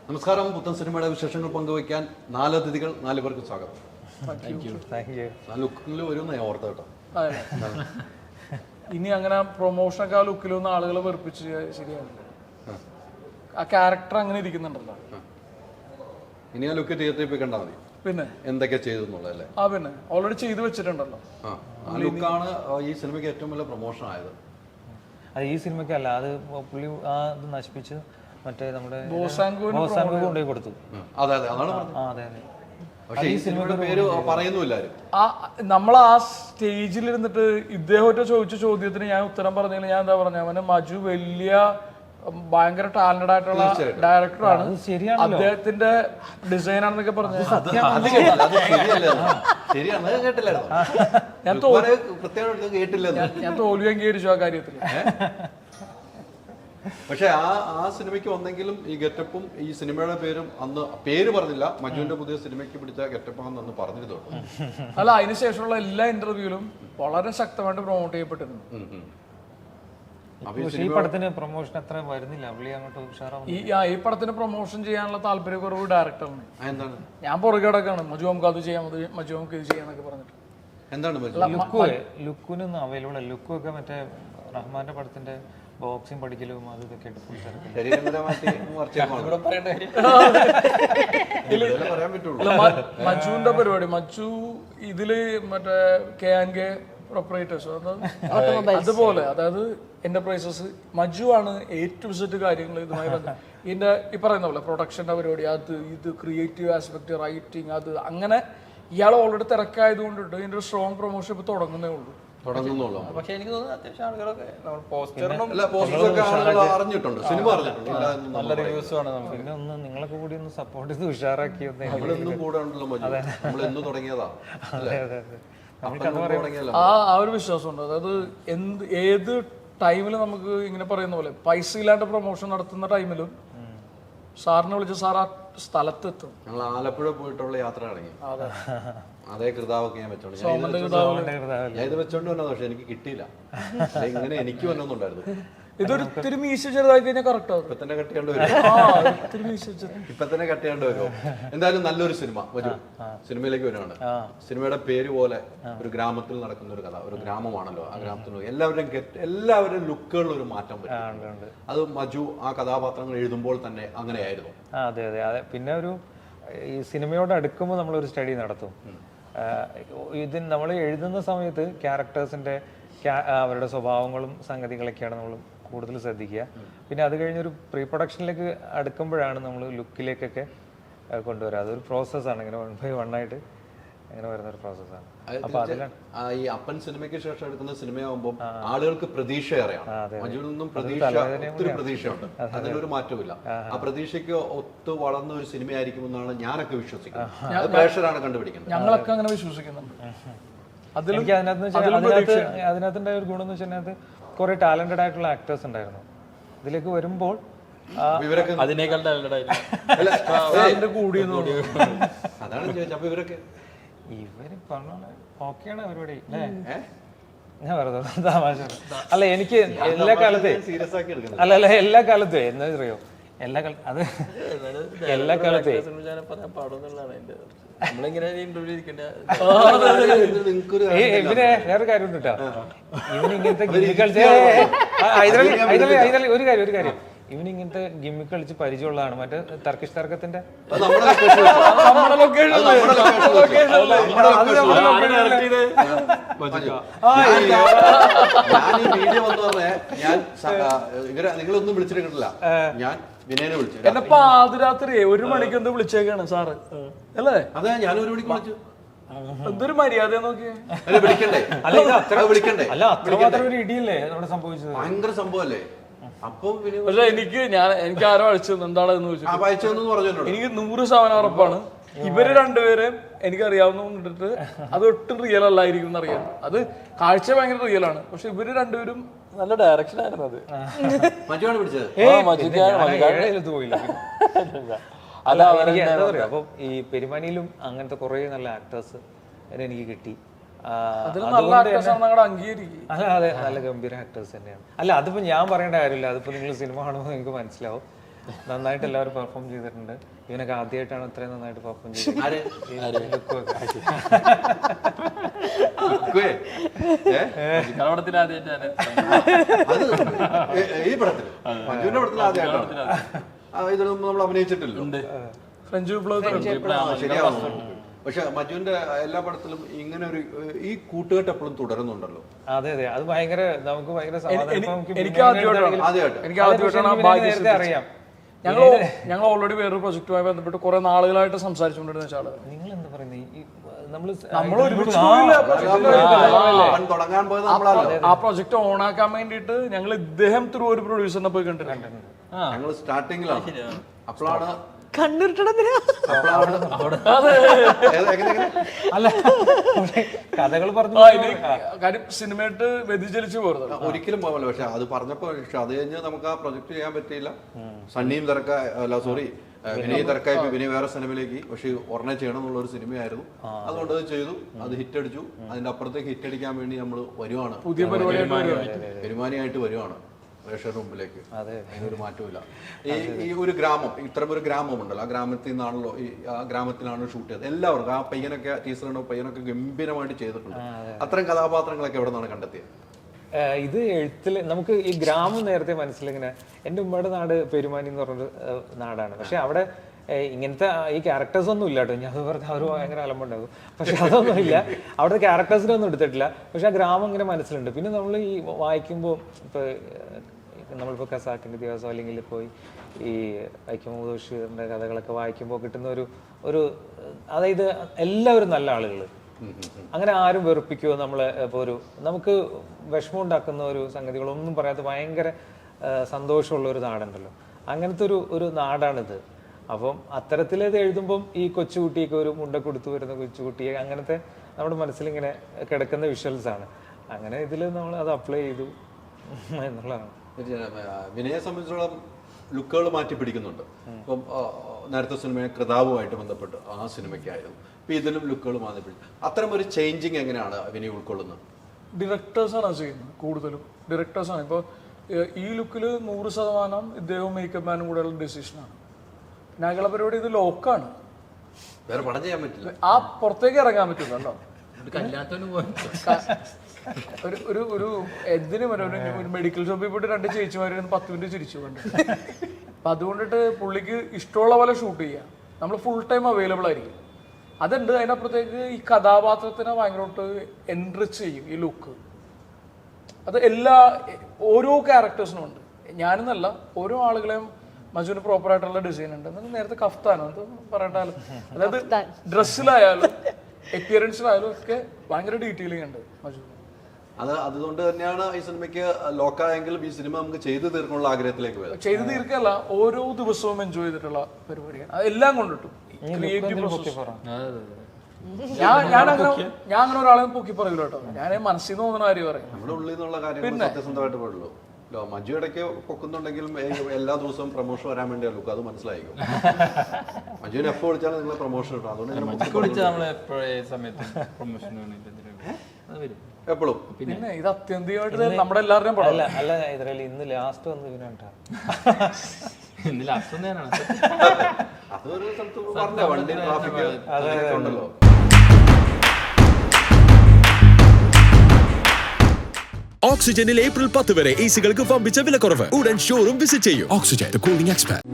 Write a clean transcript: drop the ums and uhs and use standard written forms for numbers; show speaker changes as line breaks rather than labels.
നമസ്കാരം. പുത്തൻ സിനിമയുടെ വിശേഷങ്ങൾ പങ്കുവയ്ക്കാൻ 4 അതിഥികൾ, 4 പേർക്ക് സ്വാഗതം. ലുക്കിൽ വരുമെന്ന് ഞാൻ ഓർത്ത കേട്ടോ.
ഇനി അങ്ങനെ പ്രൊമോഷനൊക്കെ ആ ലുക്കിലൊന്നും ആളുകളെ വെറുപ്പിച്ച് ശരിയാവില്ല. ആ ക്യാരക്ടർ അങ്ങനെ ഇരിക്കുന്നുണ്ടല്ലോ.
ഇനി ആ ലുക്ക് തിയേറ്ററിൽ പോയി കണ്ടാൽ മതി. പിന്നെ എന്തൊക്കെ ചെയ്തു എന്നുള്ളതല്ലേ?
പിന്നെ ഓൾറെഡി ചെയ്തു വെച്ചിട്ടുണ്ടല്ലോ.
ആ ലുക്കാണ് ഈ സിനിമയ്ക്ക് ഏറ്റവും വലിയ പ്രൊമോഷൻ ആയത്.
അത് ഈ സിനിമയ്ക്കല്ല, അത് പുള്ളി ആ ഇത് നശിപ്പിച്ച് മറ്റേ നമ്മുടെ കൊണ്ടുപോയി കൊടുത്തു.
അതെ അതെ, അതാണ്
അതെ അതെ.
പക്ഷേ ഈ സിനിമയുടെ പേര് പറയുന്നില്ല.
നമ്മൾ ആ സ്റ്റേജിൽ ഇരുന്നിട്ട് ഇദ്ദേഹത്തെ ചോദിച്ച ചോദ്യത്തിന് ഞാൻ ഉത്തരം പറഞ്ഞതിൽ ഞാൻ എന്താ പറഞ്ഞ, അവന് മജു വലിയ ഭയങ്കര ടാലന്റഡ് ആയിട്ടുള്ള ഡയറക്ടറാണ്, അദ്ദേഹത്തിന്റെ ഡിസൈൻ ആണെന്നൊക്കെ പറഞ്ഞു. ഞാൻ തോൽവി അംഗീകരിച്ചു ആ കാര്യത്തിൽ.
പക്ഷെ ആ സിനിമയ്ക്ക് വന്നെങ്കിലും ഈ ഗെറ്റപ്പും ഈ സിനിമയുടെ പേരും അന്ന് പേര് പറഞ്ഞില്ല. മജുവിന്റെ പുതിയ സിനിമയ്ക്ക് പിടിച്ച ഗെറ്റപ്പാണെന്ന് അന്ന് പറഞ്ഞിരുന്നുള്ളൂ.
അല്ല, അതിനുശേഷമുള്ള എല്ലാ ഇന്റർവ്യൂവിലും വളരെ ശക്തമായിട്ട് പ്രൊമോട്ട് ചെയ്യപ്പെട്ടിരുന്നു.
ഈ പടത്തിന് പ്രൊമോഷൻ അത്ര വരുന്നില്ല.
ഈ പടത്തിന് പ്രൊമോഷൻ ചെയ്യാനുള്ള താല്പര്യക്കുറവ് ഡയറക്ടറിന്.
എന്താണ്?
ഞാൻ പുറകെ കിടക്കാണ്, മജു നമുക്ക് അത് ചെയ്യാം, മജു നമുക്ക് ഇത് ചെയ്യാന്നൊക്കെ പറഞ്ഞിട്ട്.
എന്താണ്
ലുക്കിനൊന്നും അവൈലബിൾ അല്ല. ലുക്കൊക്കെ മറ്റേ റഹ്മാന്റെ പടത്തിന്റെ ബോക്സിംഗ് പഠിക്കലും അത് ഇതൊക്കെ
മജുവിന്റെ പരിപാടി. മജു ഇതില് മറ്റേ KNK പ്രൊപ്പറേറ്റേഴ്സ് അതുപോലെ, അതായത് എന്റർപ്രൈസസ്, മജു ആണ് ഏറ്റവും സെറ്റ് കാര്യങ്ങൾ ഇതുമായി ഇതിന്റെ ഈ പറയുന്ന പോലെ പ്രൊഡക്ഷന്റെ പരിപാടി, അത് ഇത് ക്രിയേറ്റീവ് ആസ്പെക്ട്, റൈറ്റിംഗ്, അത് അങ്ങനെ ഇയാൾ ഓൾറെഡി തിരക്കായത് കൊണ്ടിട്ട് ഇതിന്റെ ഒരു സ്ട്രോങ് പ്രൊമോഷൻ ഇപ്പൊ തുടങ്ങുന്നേ ഉള്ളൂ.
പക്ഷെ എനിക്ക് തോന്നുന്നു അത്യാവശ്യം ആളുകളൊക്കെ
അറിഞ്ഞിട്ടുണ്ട്, സിനിമ അറിഞ്ഞിട്ടുണ്ട്,
നല്ല റിവ്യൂസ് ആണ്. പിന്നെ ഒന്ന് നിങ്ങളൊക്കെ കൂടി ഒന്ന് സപ്പോർട്ട് ചെയ്ത് ഉഷാറാക്കിയത്.
ആ ഒരു വിശ്വാസമുണ്ട്. അതായത് ഏത് ടൈമിൽ നമുക്ക് ഇങ്ങനെ പറയുന്ന പോലെ പൈസ ഇല്ലാണ്ട് പ്രൊമോഷൻ നടത്തുന്ന ടൈമിലും സാറിനെ വിളിച്ച് സാർ ആ സ്ഥലത്തെത്തും.
ഞങ്ങൾ ആലപ്പുഴ പോയിട്ടുള്ള യാത്ര തുടങ്ങി. അതേ കൃതാവൊക്കെ ഞാൻ വെച്ചോണ്ട് ഞാൻ ഇത് വെച്ചോണ്ട് വന്നത്. പക്ഷെ എനിക്ക് കിട്ടിയില്ല. ഇങ്ങനെ എനിക്ക് വന്നൊന്നുണ്ടായിരുന്നു.
ഇതൊരു ഇത്തിരി മീശ ചെറുതായി കഴിഞ്ഞാൽ കറക്റ്റ് ആവും.
ഇപ്പൊ തന്നെ കട്ടിയാണ്ട് വരുമോ? എന്തായാലും നല്ലൊരു സിനിമ വരും. സിനിമയിലേക്ക് വരുവാണ്. സിനിമയുടെ പേര് പോലെ ഒരു ഗ്രാമത്തിൽ നടക്കുന്ന ഒരു കഥ. ഒരു ഗ്രാമമാണല്ലോ, ആ ഗ്രാമത്തിൽ എല്ലാവരും ലുക്കുകളിൽ ഒരു മാറ്റം വരും. അത് മജു ആ കഥാപാത്രങ്ങൾ എഴുതുമ്പോൾ തന്നെ അങ്ങനെയായിരുന്നു.
അതെ അതെ അതെ. പിന്നെ ഒരു ഈ സിനിമയോട് അടുക്കുമ്പോൾ നമ്മളൊരു സ്റ്റഡി നടത്തും. ഇതിന് നമ്മൾ എഴുതുന്ന സമയത്ത് ക്യാരക്ടേഴ്സിന്റെ അവരുടെ സ്വഭാവങ്ങളും സംഗതികളൊക്കെയാണ് നമ്മൾ കൂടുതൽ ശ്രദ്ധിക്കുക. പിന്നെ അത് കഴിഞ്ഞൊരു പ്രീ പ്രൊഡക്ഷനിലേക്ക് അടുക്കുമ്പോഴാണ് നമ്മൾ ലുക്കിലേക്കൊക്കെ കൊണ്ടുവരിക. അതൊരു പ്രോസസ്സാണ്. ഇങ്ങനെ 1 by 1 ആയിട്ട് അങ്ങനെ വരുന്ന ഒരു പ്രോസസ്സാണ്. അപ്പൊ അതിലാണ്
ഈ അപ്പൻ സിനിമയ്ക്ക് ശേഷം എടുക്കുന്ന സിനിമയാകുമ്പോൾ ആളുകൾക്ക് പ്രതീക്ഷ ഏറെയാണ്. മജുവിൽ നിന്നും ഒത്തിരി പ്രതീക്ഷയുണ്ട്. അതിലൊരു മാറ്റമില്ല. ആ പ്രതീക്ഷയ്ക്ക് ഒത്തു വളർന്ന ഒരു സിനിമയായിരിക്കുമെന്നാണ് ഞാനൊക്കെ വിശ്വസിക്കുന്നത്. പ്രേക്ഷകരാണ് കണ്ടുപിടിക്കുന്നത്.
ഞങ്ങളൊക്കെ അങ്ങനെ വിശ്വസിക്കുന്നുണ്ട്.
എനിക്ക് അതിനകത്തിന്റെ ഒരു ഗുണം എന്ന് വെച്ചാൽ കുറെ ടാലന്റഡ് ആയിട്ടുള്ള ആക്ടേഴ്സ് ഉണ്ടായിരുന്നു. ഇതിലേക്ക് വരുമ്പോൾ
അതിനേക്കാൾ ടാലന്റഡ് ആയിരുന്നു.
അതാണ് ചോദിച്ചത്. അപ്പൊ ഇവര്
പറഞ്ഞ ഓക്കെയാണ് പരിപാടി. ഞാൻ വെറുതെ തമാശ. അല്ല, എനിക്ക് എല്ലാ കാലത്തെ
സീരിയസ് ആക്കി എടുക്കുന്നത്.
അല്ല എല്ലാ കാലത്തും എന്താ അറിയോ, എല്ലാ കാലത്തെ ഇവനെ വേറെ കാര്യം ഉണ്ട് കേട്ടോ. ഇവനിങ്ങനത്തെ ഗിമ്മി കളിച്ച് ഒരു കാര്യം ഇവനിങ്ങനത്തെ ഗിമ്മി കളിച്ച് പരിചയമുള്ളതാണ്. മറ്റേ ടർക്കിഷ് തർക്കത്തിന്റെ
നിങ്ങളൊന്നും വിളിച്ചിട്ടില്ല. ഞാൻ വിനയനെ വിളിച്ചു.
എന്നെ പാതിരാത്രി 1 മണിക്ക് എന്ത് വിളിച്ചേക്കാണ് സാറ് അല്ലേ?
അതെ, ഞാൻ 1 മണിക്ക് വിളിച്ചു.
എന്തൊരു മര്യാദ നോക്കിയേ.
വിളിക്കണ്ടേ?
അല്ല, അത്രമാത്രം ഒരു ഇടിയല്ലേ അവിടെ സംഭവിച്ചത്.
ഭയങ്കര സംഭവല്ലേ.
പക്ഷെ എനിക്ക് ആരോ അഴിച്ചു എന്താണെന്ന് ചോദിച്ചു. എനിക്ക് 100% ഉറപ്പാണ് ഇവര് രണ്ടുപേരും എനിക്കറിയാവുന്ന അത് ഒട്ടും റിയൽ അല്ലായിരിക്കും എന്നറിയാം. അത് കാഴ്ച ഭയങ്കര റിയൽ ആണ്. പക്ഷെ ഇവര് രണ്ടുപേരും നല്ല ഡയറക്ഷൻ ആയിരുന്നു. അത്
അല്ല, എന്താ പറയാ, അപ്പൊ ഈ പെരുമാനിയിലും അങ്ങനത്തെ കുറെ നല്ല ആക്ടേഴ്സ് എനിക്ക് കിട്ടി. അല്ല, അതെ, നല്ല ഗംഭീര ആക്ടേഴ്സ് തന്നെയാണ്. അല്ല, അതിപ്പോ ഞാൻ പറയേണ്ട കാര്യമില്ല. അതിപ്പോ നിങ്ങൾ സിനിമ കാണുമ്പോൾ നിങ്ങൾക്ക് മനസ്സിലാവും. നന്നായിട്ട് എല്ലാവരും പെർഫോം ചെയ്തിട്ടുണ്ട്. ഇവനൊക്കെ ആദ്യമായിട്ടാണ് ഇത്രയും നന്നായിട്ട് പെർഫോം ചെയ്തത്.
കളവടത്തിൽ ആദ്യമായിട്ടാണ്
അത് ഈ പടത്തിൽ മഞ്ജുവിന്റെ പടത്തിൽ ആദ്യമായിട്ടാണ്. ഇതിലൊന്നും നമ്മൾ അഭിനയിച്ചിട്ടില്ല.
ഫ്രഞ്ച് വിപ്ലവത്തിൽ
ശരിയാവും. പക്ഷെ മഞ്ജുവിന്റെ എല്ലാ പടത്തിലും ഇങ്ങനെ ഒരു ഈ കൂട്ടുകെട്ട് എപ്പോഴും തുടരുന്നുണ്ടല്ലോ.
അതെ അതെ, അത് ഭയങ്കര നമുക്ക് ഭയങ്കര
എനിക്ക് ആദ്യമായിട്ടാണ്
അറിയാം.
ഞങ്ങൾ ഓൾറെഡി വേറൊരു പ്രൊജക്റ്റുമായി ബന്ധപ്പെട്ട് കുറെ നാളുകളായിട്ട് സംസാരിച്ചുകൊണ്ടിരുന്ന ആള്.
നിങ്ങൾ എന്താ പറയുന്നത്,
നമ്മൾ ഒരുമിച്ച്
തുടങ്ങാൻ പോയത് നമ്മളാണ്.
ആ പ്രൊജക്ട് ഓണാക്കാൻ വേണ്ടിയിട്ട് ഞങ്ങൾ ഇദ്ദേഹം ത്രൂ ഒരു പ്രൊഡ്യൂസറിനെ പോയി കണ്ടിട്ടുണ്ട്.
ഞങ്ങൾ സ്റ്റാർട്ടിങ്ങിലാണ്. അപ്പോഴാണ്
അല്ല കഥകൾ പറഞ്ഞു
കാര്യം സിനിമയായിട്ട് വ്യതിചലിച്ചു പോരുന്നത്
ഒരിക്കലും പോകല്ലോ. പക്ഷെ അത് പറഞ്ഞപ്പോ അത് കഴിഞ്ഞ് നമുക്ക് ആ പ്രൊജക്ട് ചെയ്യാൻ പറ്റിയില്ല. സണ്ണിയും തിരക്കായി, അല്ല സോറി വിനയ് തിരക്കായി, വിനയ് വേറെ സിനിമയിലേക്ക്. പക്ഷെ ഒരെണ്ണം ചെയ്യണം എന്നുള്ള ഒരു സിനിമയായിരുന്നു. അതുകൊണ്ട് അത് ചെയ്തു, അത് ഹിറ്റ് അടിച്ചു. അതിന്റെ അപ്പുറത്തേക്ക് ഹിറ്റ് അടിക്കാൻ വേണ്ടി നമ്മൾ വരുവാണ്,
പുതിയ
പെരുമാനിയായിട്ട് വരുവാണ് പ്രേക്ഷകരുടെ മുമ്പിലേക്ക്. അതിനൊരു മാറ്റമില്ല. ഈ ഒരു ഗ്രാമം, ഇത്തരം ഒരു ഗ്രാമമുണ്ടല്ലോ, ആ ഗ്രാമത്തിൽ നിന്നാണല്ലോ, ആ ഗ്രാമത്തിലാണ് ഷൂട്ട് ചെയ്തത്. എല്ലാവർക്കും ആ പയ്യനൊക്കെ ടീച്ചറുണ്ടോ പയ്യനൊക്കെ ഗംഭീരമായിട്ട് ചെയ്തിട്ടുണ്ട്. അത്തരം കഥാപാത്രങ്ങളൊക്കെ എവിടെ നിന്നാണ് കണ്ടെത്തിയത്?
ഇത് എഴുത്തിൽ നമുക്ക് ഈ ഗ്രാമം നേരത്തെ മനസ്സിലിങ്ങനെ, എൻ്റെ ഉമ്മയുടെ നാട് പെരുമാനി എന്ന് പറഞ്ഞൊരു നാടാണ്. പക്ഷെ അവിടെ ഇങ്ങനത്തെ ഈ ക്യാരക്ടേഴ്സ് ഒന്നും ഇല്ല കേട്ടോ. ഞാൻ അത് പറഞ്ഞാൽ അവർ ഭയങ്കര അലമ്പുണ്ടാകും. പക്ഷെ അതൊന്നും ഇല്ല, അവിടുത്തെ ക്യാരക്ടേഴ്സിനൊന്നും എടുത്തിട്ടില്ല. പക്ഷെ ആ ഗ്രാമം ഇങ്ങനെ മനസ്സിലുണ്ട്. പിന്നെ നമ്മൾ ഈ വായിക്കുമ്പോൾ ഇപ്പോൾ നമ്മളിപ്പോൾ ഖസാക്കിൻ്റെ ദിവസം അല്ലെങ്കിൽ പോയി ഈ വൈക്കം മുഹമ്മദ് ബഷീറിൻ്റെ കഥകളൊക്കെ വായിക്കുമ്പോൾ കിട്ടുന്ന ഒരു അതായത് എല്ലാവരും നല്ല ആളുകൾ, അങ്ങനെ ആരും വെറുപ്പിക്കുമോ നമ്മളെ. ഇപ്പോൾ നമുക്ക് വിഷമം ഉണ്ടാക്കുന്ന ഒരു സംഗതികളൊന്നും പറയാത്ത ഭയങ്കര സന്തോഷമുള്ള ഒരു നാടുണ്ടല്ലോ, അങ്ങനത്തെ ഒരു നാടാണിത്. അപ്പം അത്തരത്തിലേത് എഴുതുമ്പം ഈ കൊച്ചുകുട്ടിയൊക്കെ ഒരു മുണ്ട കൊടുത്തു വരുന്ന കൊച്ചുകുട്ടിയെ അങ്ങനത്തെ നമ്മുടെ മനസ്സിലിങ്ങനെ കിടക്കുന്ന വിഷ്വൽസ് ആണ്. അങ്ങനെ ഇതിൽ നമ്മൾ അത് അപ്ലൈ ചെയ്തു എന്നുള്ളതാണ്.
വിനയെ സംബന്ധിച്ചോളം ലുക്കുകൾ മാറ്റി പിടിക്കുന്നുണ്ട്. ഇപ്പം നേരത്തെ സിനിമയെ കൃതാവുമായിട്ട് ബന്ധപ്പെട്ട് ആ സിനിമയ്ക്കായിരുന്നു. ഇപ്പം ഇതിലും ലുക്കുകൾ മാറ്റി പിടിക്കും. അത്തരം ഒരു ചേഞ്ചിങ് എങ്ങനെയാണ് വിനയ് ഉൾക്കൊള്ളുന്നത്?
ഡയറക്ടേഴ്സാണ് ചെയ്യുന്നത്, കൂടുതലും ഡയറക്ടേഴ്സാണ്. ഇപ്പോൾ ഈ ലുക്കിൽ 100% ഇദ്ദേഹവും മേക്കപ്പ് മാനും കൂടെയുള്ള ഡെസിഷനാണ്. ഞങ്ങളെ പരിപാടി ഇത് ലോക്കാണ്,
വേറെ പടം ചെയ്യാൻ പറ്റില്ല,
ആ പുറത്തേക്ക് ഇറങ്ങാൻ പറ്റില്ലല്ലോ.
കല്യാണത്തിന്
ഒരു എന്തിനും ഒരു മെഡിക്കൽ ഷോപ്പിൽ പോയിട്ട് 2 ചേച്ചിമാര് 10 മിനിറ്റ് ചിരിച്ചു കൊണ്ട്. അപ്പം അതുകൊണ്ടിട്ട് പുള്ളിക്ക് ഇഷ്ടമുള്ള പോലെ ഷൂട്ട് ചെയ്യാം, നമ്മൾ ഫുൾ ടൈം അവൈലബിൾ ആയിരിക്കും. അതുണ്ട്. അതിനപ്പുറത്തേക്ക് ഈ കഥാപാത്രത്തിനെ ഭയങ്കരമായിട്ട് എൻറിച്ച് ചെയ്യും ഈ ലുക്ക്. അത് ഓരോ ക്യാരക്ടേഴ്സിനും ഉണ്ട്. ഞാനെന്നല്ല, ഓരോ ആളുകളെയും മജുവിന് പ്രോപ്പറായിട്ടുള്ള ഡിസൈൻ ഉണ്ട്. എന്നാലും നേരത്തെ കഫ്താനോ എന്ത് പറയണ്ടാലും, അതായത് ഡ്രസ്സിലായാലും എപ്പിയറൻസിലായാലും ഒക്കെ ഭയങ്കര ഡീറ്റെയിലിംഗ് ഉണ്ട് മജു.
അതുകൊണ്ട് തന്നെയാണ് ഈ സിനിമയ്ക്ക് ലോക്കായെങ്കിലും ഈ സിനിമ നമുക്ക് ചെയ്തു തീർക്കാനുള്ള ആഗ്രഹത്തിലേക്ക് പോയത്.
ചെയ്തു തീർക്കല്ല, ഓരോ ദിവസവും എൻജോയ് ചെയ്തിട്ടുള്ള പരിപാടിയാണ്. അതെല്ലാം കൊണ്ടിട്ടു ക്രിയേറ്റീവ് പ്രോസസ്. ഞാൻ അങ്ങനെ ഒരാളെ പൊക്കി പറയൂല കേട്ടോ. ഞാൻ മനസ്സിൽ നിന്ന് തോന്നുന്ന കാര്യം പറയും.
നമ്മുടെ ഉള്ളിൽ നിന്നുള്ള കാര്യങ്ങൾ സത്യസന്ധമായിട്ട് പാടുള്ളൂ. മഞ്ജു ഇടയ്ക്ക് പൊക്കുന്നുണ്ടെങ്കിലും എല്ലാ ദിവസവും പ്രൊമോഷൻ വരാൻ വേണ്ടിയാ ലുക്ക്, അത് മനസ്സിലായിരിക്കും. മഞ്ജുവിനെ എപ്പോൾ വിളിച്ചാലും നിങ്ങൾ പ്രൊമോഷൻ കിട്ടും. അതുകൊണ്ട് എപ്പോഴും
പിന്നെ ഇത് അത്യന്തികമായിട്ട് നമ്മുടെ എല്ലാവരുടെയും പടം
അല്ല. ഇതിൽ ഇന്ന് ലാസ്റ്റ് വന്ന് ഇവനാണ്
അതൊരു സ്ഥലത്ത് പറഞ്ഞ വണ്ടി ട്രാഫിക് ഉണ്ടല്ലോ.
ഓക്സിജനിൽ ഏപ്രിൽ 10 വരെ എസികൾക്ക് വമ്പിച്ച വിലക്കുറവ്. ഉടൻ ഷോറൂം വിസിറ്റ് ചെയ്യൂ. Oxygen, the cooling expert.